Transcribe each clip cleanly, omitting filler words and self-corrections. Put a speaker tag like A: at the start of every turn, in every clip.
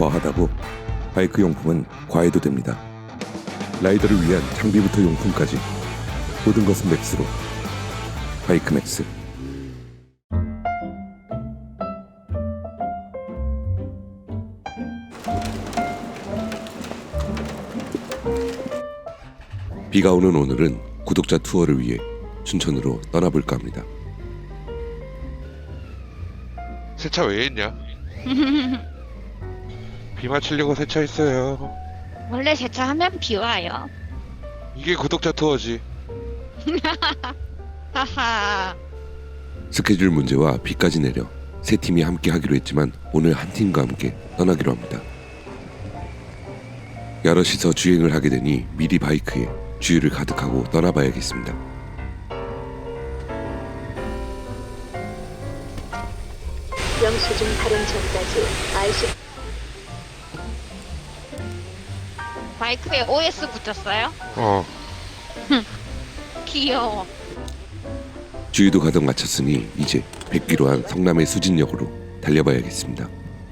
A: 거하다고 바이크 용품은 과해도 됩니다. 라이더를 위한 장비부터 용품까지 모든 것은 맥스로. 바이크 맥스. 비가 오는 오늘은 구독자 투어를 위해 춘천으로 떠나볼까 합니다.
B: 세차 왜 했냐? 비 맞추려고 세차했어요.
C: 원래 세차하면 비 와요.
B: 이게 구독자 투어지.
C: 하하.
A: 스케줄 문제와 비까지 내려 세 팀이 함께 하기로 했지만 오늘 한 팀과 함께 떠나기로 합니다. 여럿이서 주행을 하게 되니 미리 바이크에 주유를 가득하고 떠나봐야겠습니다.
D: 영수증 발행 전까지 IC
C: 바이크에 OS 붙였어요? 귀여워.
A: 주유도 가득 마쳤으니 이제 100km 성남의 수진역으로 달려봐야겠습니다.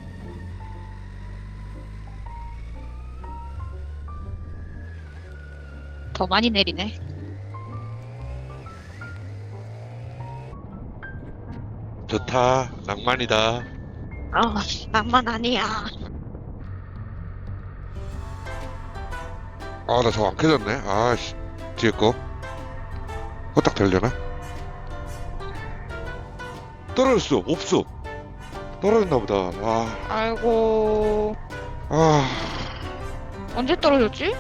C: 더 많이 내리네.
B: 좋다. 낭만이다.
C: 낭만 아니야.
B: 아, 나 저거 안 켜졌네. 아씨, 뒤에 거. 호딱 되려나? 떨어졌어. 없어. 떨어졌나 보다.
C: 아이고.
B: 아,
C: 언제 떨어졌지?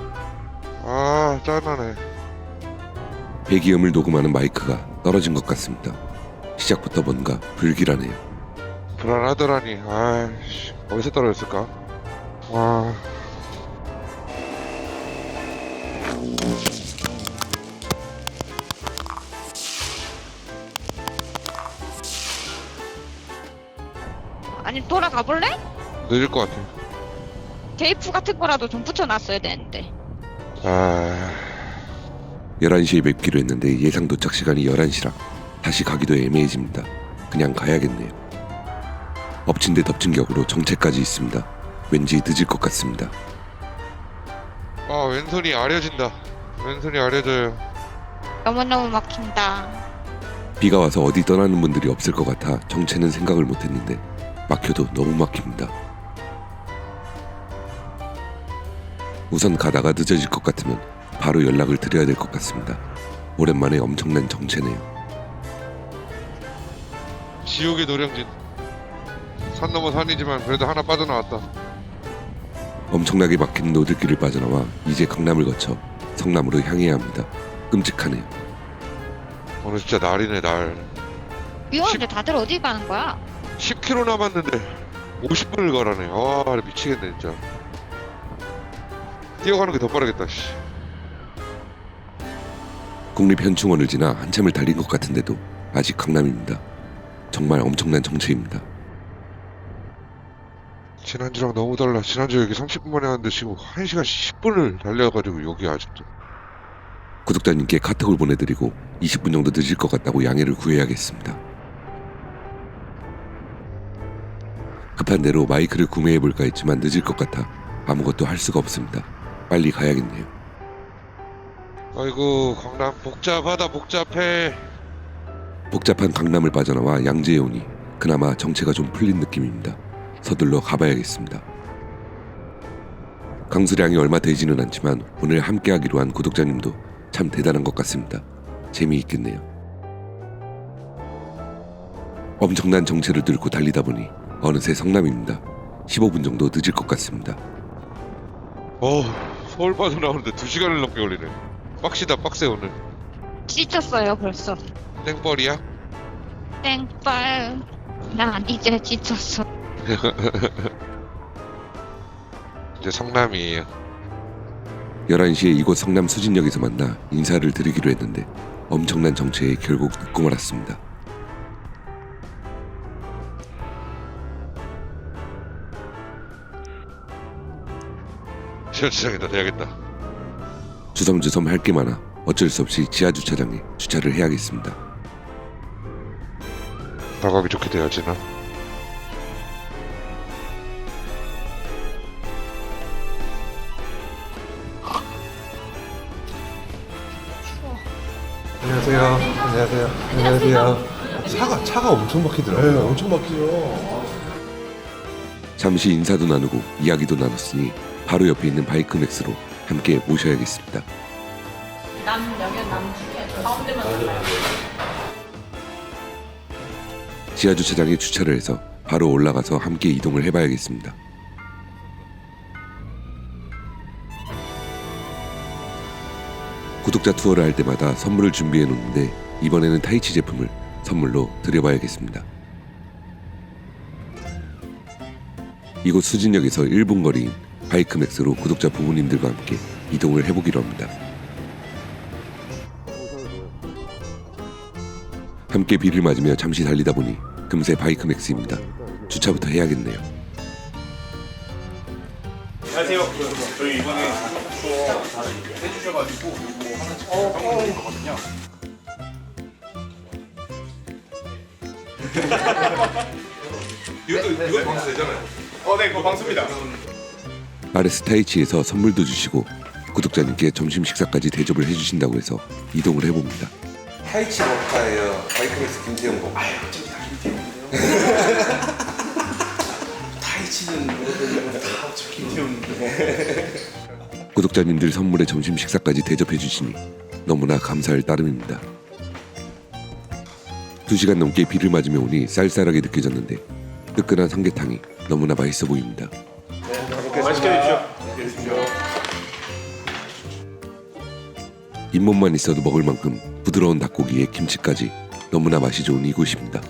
B: 짠하네.
A: 배기음을 녹음하는 마이크가 떨어진 것 같습니다. 시작부터 뭔가 불길하네요.
B: 불안하더라니. 아이씨, 어디서 떨어졌을까?
C: 아니 돌아가 볼래?
B: 늦을 것 같아.
C: 테이프 같은 거라도 좀 붙여놨어야 되는데.
A: 11시에 뵙기로 했는데 예상 도착 시간이 11시라 다시 가기도 애매해집니다. 그냥 가야겠네요. 엎친 데 덮친 격으로 정체까지 있습니다. 왠지 늦을 것 같습니다.
B: 왼손이 아려진다. 왼손이 아려져요.
C: 너무너무 막힌다.
A: 비가 와서 어디 떠나는 분들이 없을 것 같아 정체는 생각을 못했는데 막혀도 너무 막힙니다. 우선 가다가 늦어질 것 같으면 바로 연락을 드려야 될 것 같습니다. 오랜만에 엄청난 정체네요.
B: 지옥의 노량진. 산 넘어 산이지만 그래도 하나 빠져나왔다.
A: 엄청나게 막힌 노들길을 빠져나와 이제 강남을 거쳐 성남으로 향해야 합니다. 끔찍하네요.
B: 오늘 진짜 날이네, 날.
C: 비 오는데 다들 어디 가는 거야?
B: 10km 남았는데 50분을 가라네. 미치겠네 진짜. 뛰어가는 게 더 빠르겠다. 씨.
A: 국립현충원을 지나 한참을 달린 것 같은데도 아직 강남입니다. 정말 엄청난 정체입니다.
B: 지난주랑 너무 달라. 지난주 여기 30분 만에 왔는데 지금 1시간 10분을 달려가지고 여기 아직도.
A: 구독자님께 카톡을 보내드리고 20분 정도 늦을 것 같다고 양해를 구해야겠습니다. 급한 대로 마이크를 구매해볼까 했지만 늦을 것 같아 아무것도 할 수가 없습니다. 빨리 가야겠네요.
B: 아이고, 강남 복잡하다. 복잡해.
A: 복잡한 강남을 빠져나와 양재에 오니 그나마 정체가 좀 풀린 느낌입니다. 서둘러 가봐야겠습니다. 강수량이 얼마 되지는 않지만 오늘 함께하기로 한 구독자님도 참 대단한 것 같습니다. 재미있겠네요. 엄청난 정체를 뚫고 달리다 보니 어느새 성남입니다. 15분 정도 늦을 것 같습니다.
B: 서울 빠져나오는데 2시간을 넘게 걸리네. 빡시다, 빡세 오늘.
C: 지쳤어요 벌써.
B: 땡벌이야?
C: 땡빨. 난 이제 지쳤어.
B: 이제 성남이에요.
A: 11시에 이곳 성남 수진역에서 만나 인사를 드리기로 했는데 엄청난 정체에 결국 늦고 말았습니다.
B: 지하주차장에다 대야겠다.
A: 주섬주섬 할 게 많아 어쩔 수 없이 지하주차장에 주차를 해야겠습니다.
B: 나가기 좋게 돼야지 나.
E: 안녕하세요. 안녕하세요. 안녕하세요. 차가 엄청 막히더라고요. 네, 엄청 막히죠.
A: 잠시 인사도 나누고 이야기도 나눴으니 바로 옆에 있는 바이크맥스로 함께 모셔야겠습니다. 지하주차장에 주차를 해서 바로 올라가서 함께 이동을 해봐야겠습니다. 구독자 투어를 할 때마다 선물을 준비해 놓는데 이번에는 타이치 제품을 선물로 드려봐야겠습니다. 이곳 수진역에서 1분 거리인 바이크맥스로 구독자 부모님들과 함께 이동을 해보기로 합니다. 함께 비를 맞으며 잠시 달리다 보니 금세 바이크맥스입니다. 주차부터 해야겠네요.
F: 안녕하세요. 저희 이번에 투어 해주셔가지고 이거 하나 찍는 거거든요. 이것도 방수 되잖아요. 네, 그거 방수입니다.
A: 아레스 타이치에서 선물도 주시고 구독자님께 점심 식사까지 대접을 해주신다고 해서 이동을 해봅니다.
E: 타이치 머카예요. 바이크맥스 김태형 거. 아유, 저기 다 김태형인데요. 타이치는 다 어차피 김태형인데.
A: 구독자님들 선물에 점심 식사까지 대접해 주시니 너무나 감사할 따름입니다. 2시간 넘게 비를 맞으며 오니 쌀쌀하게 느껴졌는데 뜨끈한 삼계탕이 너무나 맛있어 보입니다.
F: 맛있게 드십시오.
A: 잇몸만 있어도 먹을 만큼 부드러운 닭고기에 김치까지 너무나 맛이 좋은 이곳입니다.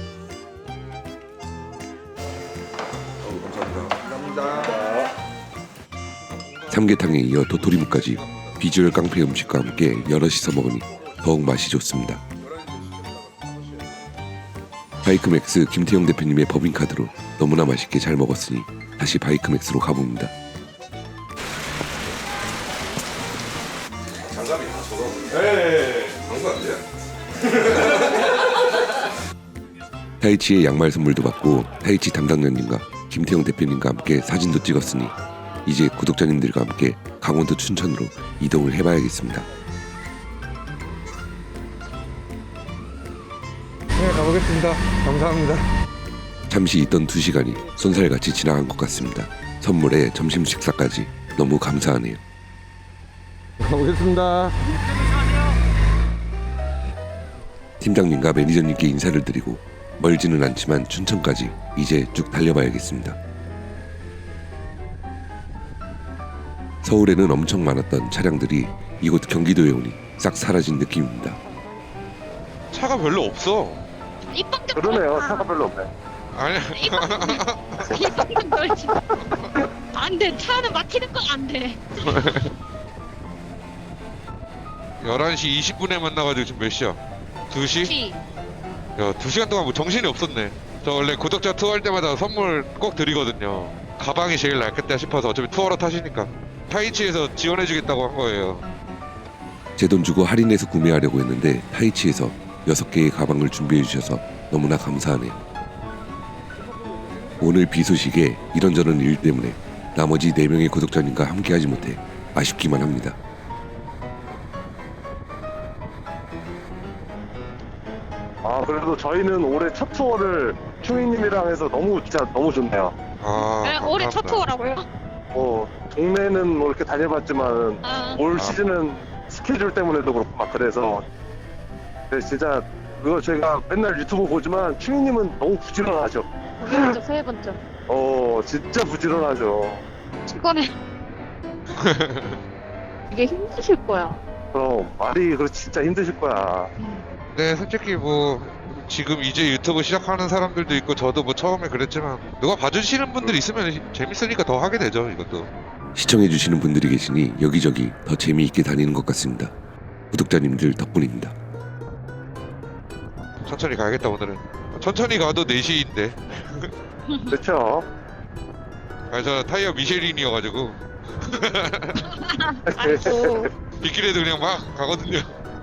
A: 삼계탕에 이어 도토리묵까지 비주얼 깡패 음식과 함께 여럿이서 먹으니 더욱 맛이 좋습니다. 바이크맥스 김태형 대표님의 법인카드로 너무나 맛있게 잘 먹었으니 다시 바이크맥스로 가봅니다.
E: 장갑이 다 저거.
F: 네.
E: 방수 안 돼요?
A: 타이치의 양말 선물도 받고 타이치 담당자님과 김태형 대표님과 함께 사진도 찍었으니 이제 구독자님들과 함께 강원도 춘천으로 이동을 해봐야겠습니다.
E: 네, 가보겠습니다. 감사합니다.
A: 잠시 있던 2시간이 쏜살같이 지나간 것 같습니다. 선물에 점심 식사까지 너무 감사하네요.
E: 가보겠습니다.
A: 팀장님과 매니저님께 인사를 드리고 멀지는 않지만 춘천까지 이제 쭉 달려봐야겠습니다. 서울에는 엄청 많았던 차량들이 이곳 경기도에 오니 싹 사라진 느낌입니다.
B: 차가 별로 없어.
C: 입방정
F: 그러네요. 차가 별로 없네.
B: 아니,
C: 입방정 돌지 안돼. 차는 막히는 거 안돼.
B: 11시 20분에 만나가지고 지금 몇 시야? 2시? 야, 2시간 동안 뭐 정신이 없었네. 저 원래 구독자 투어 할 때마다 선물 꼭 드리거든요. 가방이 제일 낫겠다 싶어서 어차피 투어로 타시니까 타이치에서 지원해주겠다고 한 거예요.
A: 제 돈 주고 할인해서 구매하려고 했는데 타이치에서 6개의 가방을 준비해 주셔서 너무나 감사하네요. 오늘 비 소식에 이런저런 일 때문에 나머지 4명의 구독자님과 함께하지 못해 아쉽기만 합니다.
F: 그래도 저희는 올해 첫 투어를 충희님이랑 해서 진짜 너무 좋네요.
B: 아,
C: 올해 첫 투어라고요?
F: 동네는 뭐 이렇게 다녀봤지만 올
B: 아.
F: 시즌은 스케줄 때문에도 그렇고 막 그래서 근데 진짜 그거 제가 맨날 유튜브 보지만 충희님은 너무 부지런하죠.
D: 세 번째.
F: 진짜 부지런하죠.
C: 이거는
D: 이게 힘드실 거야.
F: 그럼 말이 진짜 힘드실 거야.
B: 네, 솔직히 뭐 지금 이제 유튜브 시작하는 사람들도 있고 저도 뭐 처음에 그랬지만 누가 봐주시는 분들 있으면 재밌으니까 더 하게 되죠, 이것도.
A: 시청해주시는 분들이 계시니 여기저기 더 재미있게 다니는 것 같습니다. 구독자님들 덕분입니다.
B: 천천히 가야겠다, 오늘은. 천천히 가도 4시인데.
F: 그렇죠.
B: 저 타이어 미쉐린이어가지고
C: 아이고.
B: 빗길에도 그냥 막 가거든요.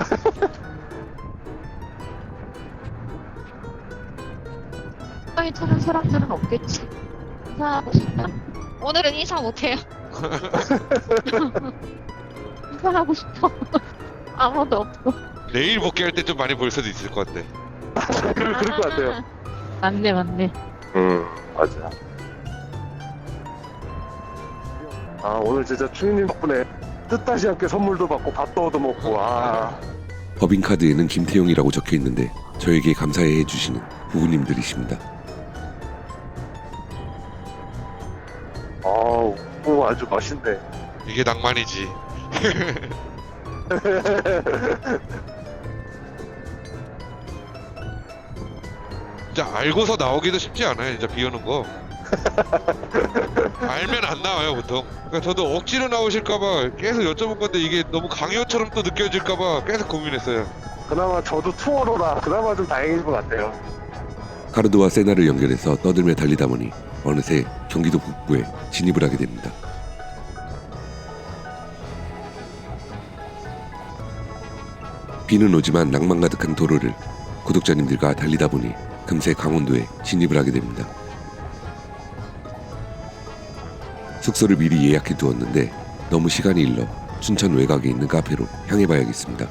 D: 빨리 타는 사람들은 없겠지. 인사하고 싶다.
C: 오늘은 인사 못해요.
D: 인사하고 싶어. 아무도 없어.
B: 내일 복귀할 때 좀 많이 볼 수도 있을 것 같아.
F: 그럴 것 같아요.
D: 맞네, 맞네.
F: 맞아. 아, 오늘 진짜 추위님 덕분에 뜻하지 않게 선물도 받고 밥도 얻어먹고,
A: 법인카드에는 김태용이라고 적혀 있는데 저에게 감사해 주시는 부부님들이십니다.
F: 오, 아주 맛있네.
B: 이게 낭만이지. 진짜 알고서 나오기도 쉽지 않아요. 진짜 비 오는 거. 알면 안 나와요 보통. 그러니까 저도 억지로 나오실까봐 계속 여쭤본 건데 이게 너무 강요처럼 또 느껴질까봐 계속 고민했어요.
F: 그나마 저도 투어로라 그나마 좀 다행인 것 같아요.
A: 카르드와 세나를 연결해서 떠들며 달리다 보니 어느새 경기도 북부에 진입을 하게 됩니다. 비는 오지만 낭만 가득한 도로를 구독자님들과 달리다 보니 금세 강원도에 진입을 하게 됩니다. 숙소를 미리 예약해 두었는데 너무 시간이 일러 춘천 외곽에 있는 카페로 향해 봐야겠습니다.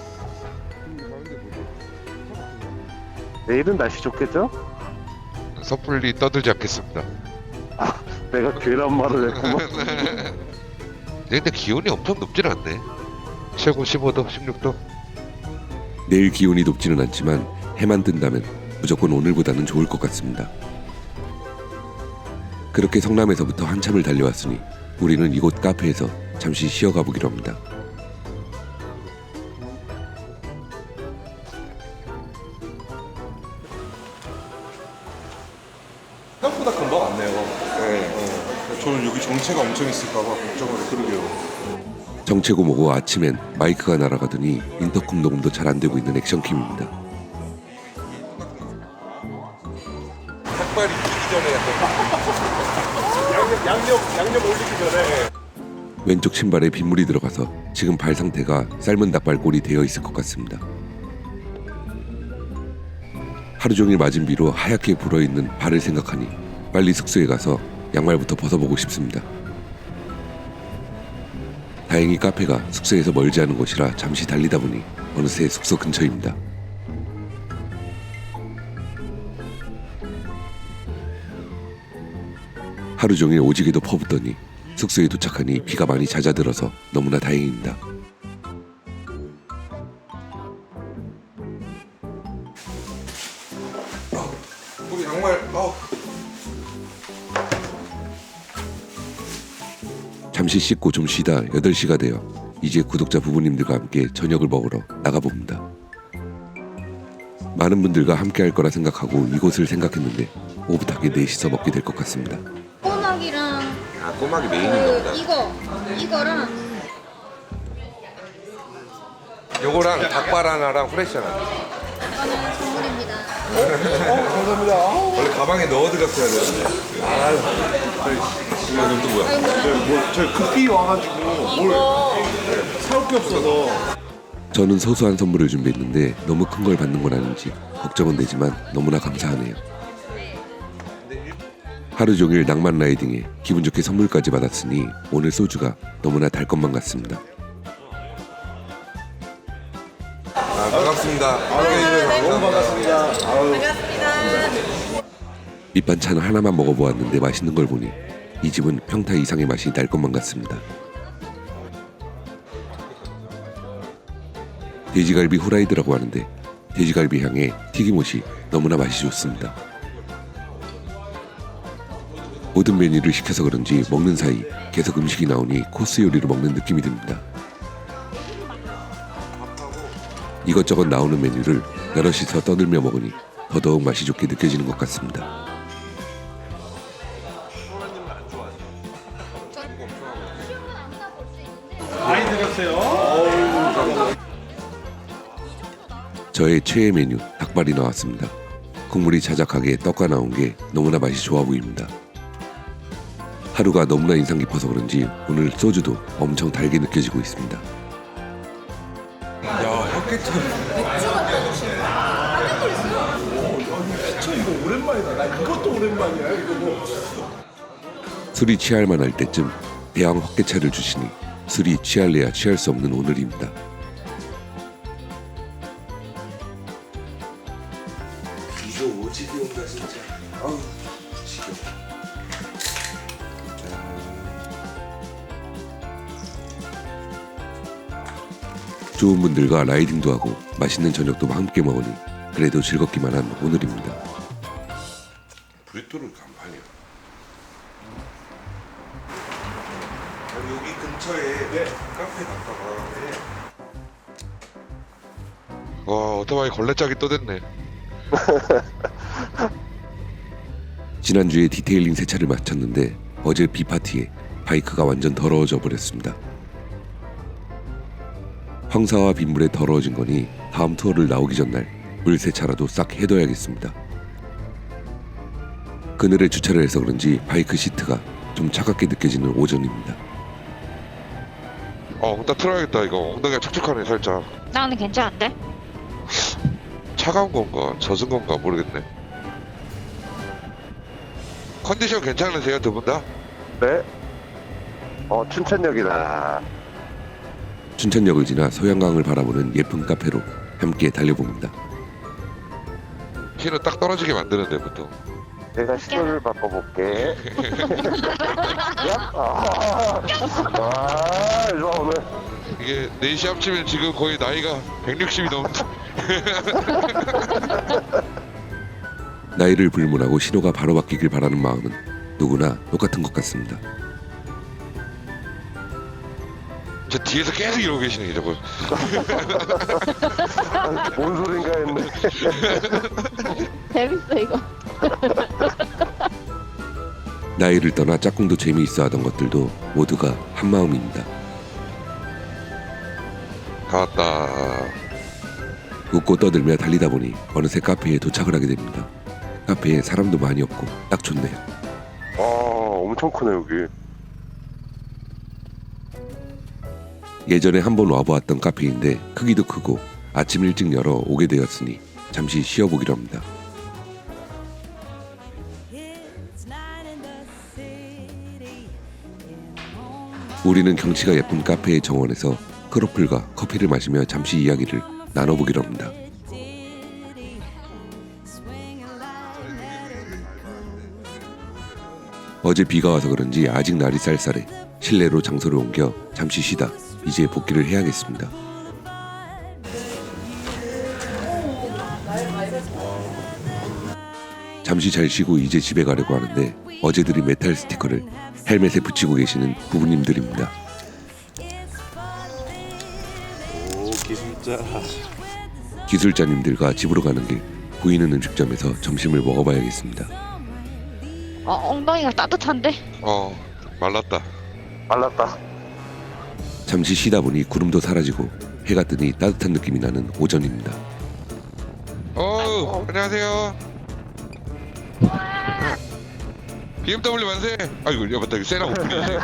F: 내일은 날씨 좋겠죠?
B: 섣불리 떠들지 않겠습니다.
F: 내가 괜한 말을 했구만.
B: 근데 기온이 엄청 높진 않네. 최고 15도, 16도.
A: 내일 기온이 높지는 않지만 해만 뜬다면 무조건 오늘보다는 좋을 것 같습니다. 그렇게 성남에서부터 한참을 달려왔으니 우리는 이곳 카페에서 잠시 쉬어가 보기로 합니다.
E: 생각보다 금방 왔네요. 저는 여기 정체가 엄청 있을까봐 걱정을 그러게요.
A: 정체고 뭐고 아침엔 마이크가 날아가더니 인터콤 녹음도 잘 안 되고 있는 액션킴입니다.
E: 닭발이 익기 전에 양념 올리기 전에.
A: 왼쪽 신발에 빗물이 들어가서 지금 발 상태가 삶은 닭발골이 되어 있을 것 같습니다. 하루 종일 맞은 비로 하얗게 불어있는 발을 생각하니 빨리 숙소에 가서 양말부터 벗어보고 싶습니다. 다행히 카페가 숙소에서 멀지 않은 곳이라 잠시 달리다 보니 어느새 숙소 근처입니다. 하루 종일 오지게도 퍼붓더니 숙소에 도착하니 비가 많이 잦아들어서 너무나 다행입니다.
E: 우리 양말.
A: 잠시 씻고 좀 쉬다 8시가 되어 이제 구독자 부부님들과 함께 저녁을 먹으러 나가봅니다. 많은 분들과 함께 할 거라 생각하고 이곳을 생각했는데 오붓하게 넷이서 먹게 될 것 같습니다.
G: 꼬막이랑
A: 꼬막이
G: 이거랑
E: 요거랑 닭발 하나랑 후레쉬 하나.
G: 이거는 선물입니다.
E: 감사합니다. 원래 가방에 넣어드렸어야 되는데. 이건 또 뭐야? 저희 급히 와가지고 사올 게 없어서.
A: 저는 소소한 선물을 준비했는데 너무 큰 걸 받는 건 아닌지 걱정은 되지만 너무나 감사하네요. 하루 종일 낭만 라이딩에 기분 좋게 선물까지 받았으니 오늘 소주가 너무나 달 것만 같습니다.
E: 반갑습니다. 너무 반갑습니다.
A: 밑반찬 하나만 먹어보았는데 맛있는 걸 보니 이 집은 평타 이상의 맛이 날 것만 같습니다. 돼지갈비 후라이드라고 하는데 돼지갈비 향에 튀김옷이 너무나 맛이 좋습니다. 모든 메뉴를 시켜서 그런지 먹는 사이 계속 음식이 나오니 코스 요리를 먹는 느낌이 듭니다. 이것저것 나오는 메뉴를 여럿이서 떠들며 먹으니 더더욱 맛이 좋게 느껴지는 것 같습니다. 저의 최애 메뉴 닭발이 나왔습니다. 국물이 자작하게 떡과 나온 게 너무나 맛이 좋아 보입니다. 하루가 너무나 인상 깊어서 그런지 오늘 소주도 엄청 달게 느껴지고 있습니다.
E: 야, 흑개천. 이거 오랜만이다. 나 이것도 오랜만이야. 이거 뭐.
A: 술이 취할 만할 때쯤 대왕 헛개차를 주시니 술이 취할래야 취할 수 없는 오늘입니다. 좋은 분들과 라이딩도 하고 맛있는 저녁도 함께 먹으니 그래도 즐겁기만 한 오늘입니다.
E: 브리또르 간판이야. 여기 근처에 카페 갔다가
B: 와 오토바이 걸레짝이 또 됐네.
A: 지난주에 디테일링 세차를 마쳤는데 어제 비파티에 바이크가 완전 더러워져 버렸습니다. 황사와 빗물에 더러워진 거니 다음 투어를 나오기 전날 물 세차라도 싹 해둬야겠습니다. 그늘에 주차를 해서 그런지 바이크 시트가 좀 차갑게 느껴지는 오전입니다.
B: 나 틀어야겠다. 이거 엉덩이가 촉촉하네 살짝.
C: 나는 괜찮은데?
B: 차가운 건가 젖은 건가 모르겠네. 컨디션 괜찮으세요 두 분 다?
F: 네. 춘천역이다.
A: 춘천역을 지나 소양강을 바라보는 예쁜 카페로 함께 달려봅니다.
B: 키는 딱 떨어지게 만드는데 보통.
F: 내가 시도를 바꿔볼게. 야? 이거 오늘.
B: 이게 4시 합치면 지금 거의 나이가 160이 넘는다.
A: 나이를 불문하고 신호가 바로 바뀌길 바라는 마음은 누구나 똑같은 것 같습니다.
B: 저 뒤에서 계속 이러고 계시네 저거.
F: 뭔 소린가 했네.
D: 재밌어, 이거.
A: 나이를 떠나 짝꿍도 재미있어 하던 것들도 모두가 한마음입니다.
B: 다 왔다.
A: 웃고 떠들며 달리다 보니 어느새 카페에 도착을 하게 됩니다. 카페에 사람도 많이 없고 딱 좋네요.
F: 엄청 크네, 여기.
A: 예전에 한번 와보았던 카페인데 크기도 크고 아침 일찍 열어 오게 되었으니 잠시 쉬어보기로 합니다. 우리는 경치가 예쁜 카페의 정원에서 크로플과 커피를 마시며 잠시 이야기를 나눠보기로 합니다. 어제 비가 와서 그런지 아직 날이 쌀쌀해 실내로 장소를 옮겨 잠시 쉬다 이제 복귀를 해야겠습니다. 잠시 잘 쉬고 이제 집에 가려고 하는데 어제 드린 메탈 스티커를 헬멧에 붙이고 계시는 부부님들입니다.
E: 오 기술자.
A: 기술자님들과 집으로 가는 길 보이는 음식점에서 점심을 먹어봐야겠습니다.
C: 엉덩이가 따뜻한데?
B: 말랐다.
F: 말랐다.
A: 잠시 쉬다 보니 구름도 사라지고 해가 뜨니 따뜻한 느낌이 나는 오전입니다.
B: 안녕하세요. BMW 만세! 아이고, 야, 맞다. 이거 세나 오픈이지.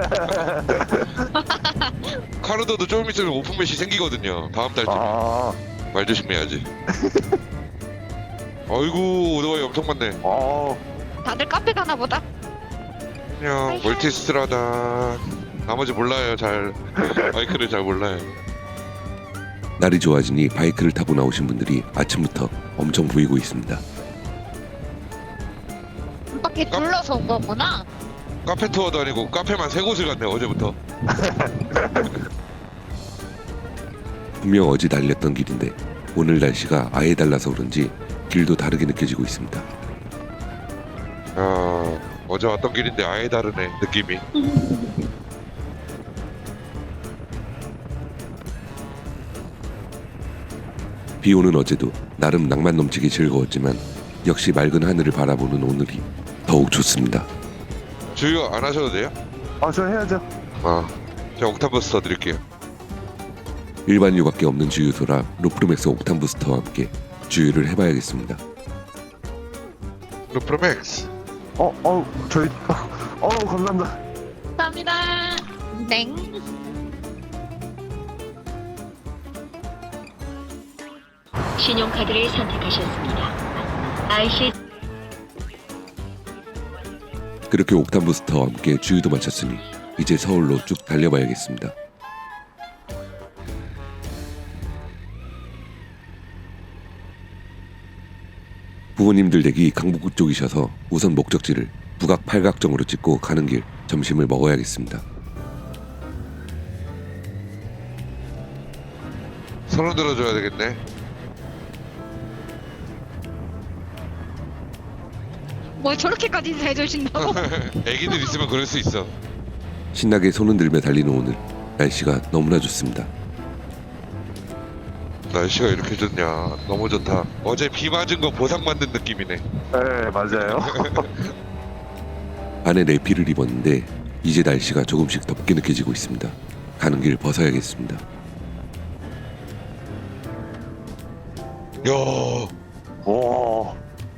B: 카르도도 조금 있으면 오픈 매시 생기거든요. 다음 달쯤. 말 조심해야지. 아이고, 오토바이 엄청 많네.
C: 다들 카페 가나 보다?
B: 안녕, 멀티스트라다. 나머지 몰라요, 잘. 바이크를 잘 몰라요.
A: 날이 좋아지니 바이크를 타고 나오신 분들이 아침부터 엄청 보이고 있습니다.
C: 한 바퀴 둘러서 온 거구나?
B: 카페 투어도 아니고 카페만 3곳을 갔네, 어제부터.
A: 분명 어제 달렸던 길인데 오늘 날씨가 아예 달라서 그런지 길도 다르게 느껴지고 있습니다.
B: 어제 왔던 길인데 아예 다르네, 느낌이.
A: 비 오는 어제도 나름 낭만 넘치게 즐거웠지만 역시 맑은 하늘을 바라보는 오늘이 더욱 좋습니다.
B: 주유 안 하셔도 돼요?
F: 저 해야죠.
B: 제가 옥탄 버스 더 드릴게요.
A: 일반유밖에 없는 주유소라 로프로맥스 옥탄 부스터와 함께 주유를 해봐야겠습니다.
B: 루프로맥스.
F: 저희, 감사합니다.
C: 감사합니다. 땡.
H: 신용카드를 선택하셨습니다. IC
A: 그렇게 옥탄 부스터와 함께 주유도 마쳤으니 이제 서울로 쭉 달려봐야겠습니다. 부모님들 댁이 강북구 쪽이셔서 우선 목적지를 북악 팔각정으로 찍고 가는 길 점심을 먹어야겠습니다.
B: 손을 들어줘야 되겠네.
C: 뭐 저렇게까지 해주신다고?
B: 애기들 있으면 그럴 수 있어.
A: 신나게 손을 들며 달리는 오늘 날씨가 너무나 좋습니다.
B: 날씨가 이렇게 좋냐. 너무 좋다. 어제 비 맞은 거 보상받는 느낌이네.
F: 네, 맞아요.
A: 안에 내피를 입었는데 이제 날씨가 조금씩 덥게 느껴지고 있습니다. 가는 길 벗어야겠습니다.
B: 야,
F: 오,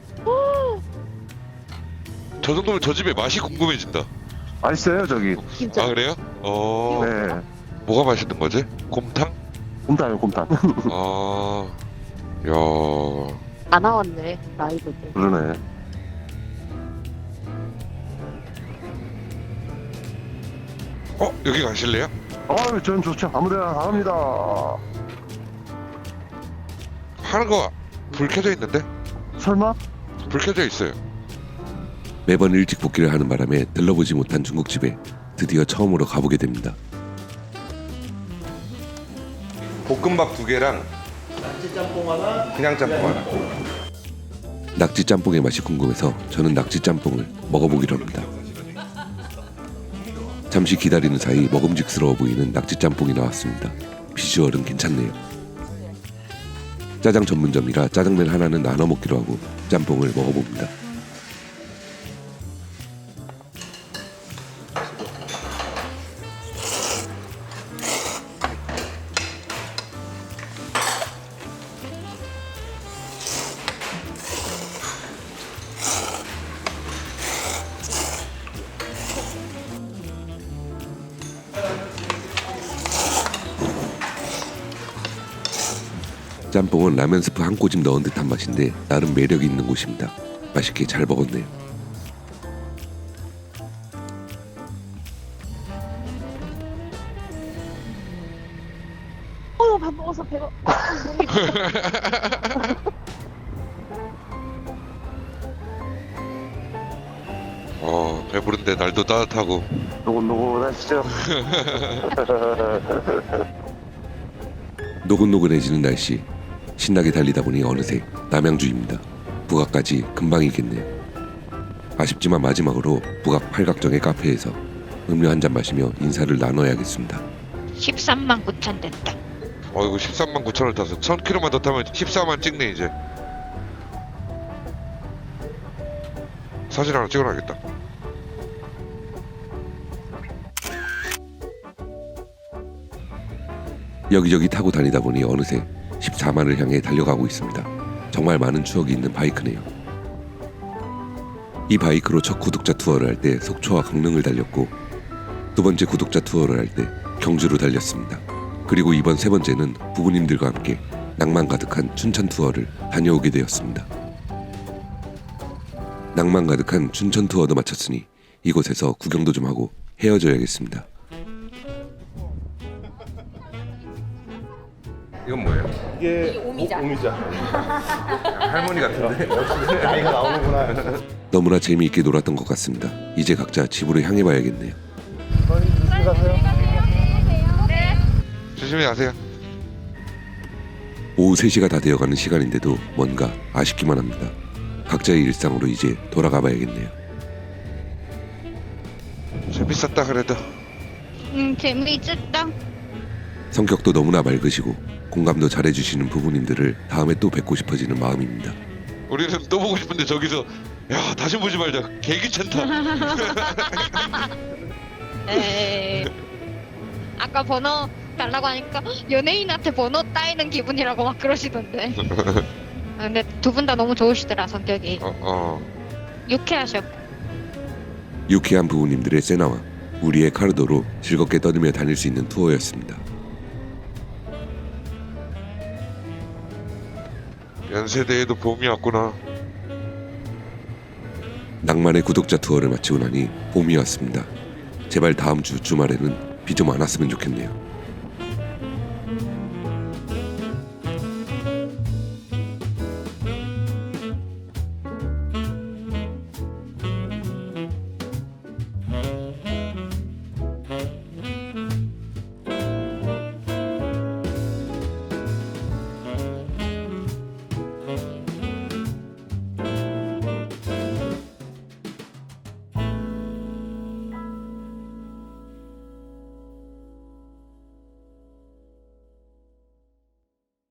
B: 저 정도면 저 집의 맛이 궁금해진다.
F: 맛있어요, 저기.
D: 진짜.
B: 아, 그래요?
F: 네.
B: 뭐가 맛있는 거지? 곰탕?
F: 곰탕이요, 곰탕.
B: 아, 야,
D: 다 나왔네, 라이브들.
F: 그러네.
B: 여기 가실래요?
F: 전 좋죠. 아무데나 다 합니다.
B: 하는 거 불 켜져 있는데?
F: 설마?
B: 불 켜져 있어요.
A: 매번 일찍 복귀를 하는 바람에 들러보지 못한 중국집에 드디어 처음으로 가보게 됩니다.
E: 볶음밥 2개랑 낙지 짬뽕 하나, 그냥 짬뽕 하나.
A: 낙지 짬뽕의 맛이 궁금해서 저는 낙지 짬뽕을 먹어보기로 합니다. 잠시 기다리는 사이 먹음직스러워 보이는 낙지 짬뽕이 나왔습니다. 비주얼은 괜찮네요. 짜장 전문점이라 짜장면 하나는 나눠 먹기로 하고 짬뽕을 먹어봅니다. 짬뽕은 라면 스프 한 꼬집 넣은 듯한 맛인데 나름 매력이 있는 곳입니다. 맛있게 잘 먹었네요.
D: 밥 먹어서 배가.
B: 배부른데 날도 따뜻하고.
F: 노곤노곤하시죠?
A: 노곤노곤해지는 날씨. 신나게 달리다 보니 어느새 남양주입니다. 부각까지 금방이겠네요. 아쉽지만 마지막으로 부각 팔각정의 카페에서 음료 한 잔 마시며 인사를 나눠야겠습니다.
C: 13만 9천 됐다.
B: 이거 13만 9천을 타서 1000km만 더 타면 14만 찍네 이제. 사진 하나 찍어놔야겠다.
A: 여기저기 타고 다니다 보니 어느새 14만을 향해 달려가고 있습니다. 정말 많은 추억이 있는 바이크네요. 이 바이크로 첫 구독자 투어를 할 때 속초와 강릉을 달렸고 두 번째 구독자 투어를 할 때 경주로 달렸습니다. 그리고 이번 세 번째는 부부님들과 함께 낭만 가득한 춘천 투어를 다녀오게 되었습니다. 낭만 가득한 춘천 투어도 마쳤으니 이곳에서 구경도 좀 하고 헤어져야겠습니다.
E: 이건 뭐예요?
I: 이게 오미자.
E: 할머니 같은데?
I: 나이가 나오는구나.
A: 너무나 재미있게 놀았던 것 같습니다. 이제 각자 집으로 향해 봐야겠네요.
B: 조심히 가세요.
A: 오후 3시가 다 되어가는 시간인데도 뭔가 아쉽기만 합니다. 각자의 일상으로 이제 돌아가 봐야겠네요.
B: 재밌었다 그래도.
C: 재미있었다.
A: 성격도 너무나 맑으시고 공감도 잘해주시는 부부님들을 다음에 또 뵙고 싶어지는 마음입니다.
B: 우리는 또 보고 싶은데 저기서 야 다시 보지 말자. 개 귀찮다.
C: 에이. 아까 번호 달라고 하니까 연예인한테 번호 따이는 기분이라고 막 그러시던데. 근데 두 분 다 너무 좋으시더라 성격이. 유쾌하셔.
A: 유쾌한 부부님들의 세나와 우리의 카르도로 즐겁게 떠들며 다닐 수 있는 투어였습니다.
B: 연세대에도 봄이 왔구나.
A: 낭만의 구독자 투어를 마치고 나니 봄이 왔습니다. 제발 다음 주 주말에는 비 좀 안 왔으면 좋겠네요.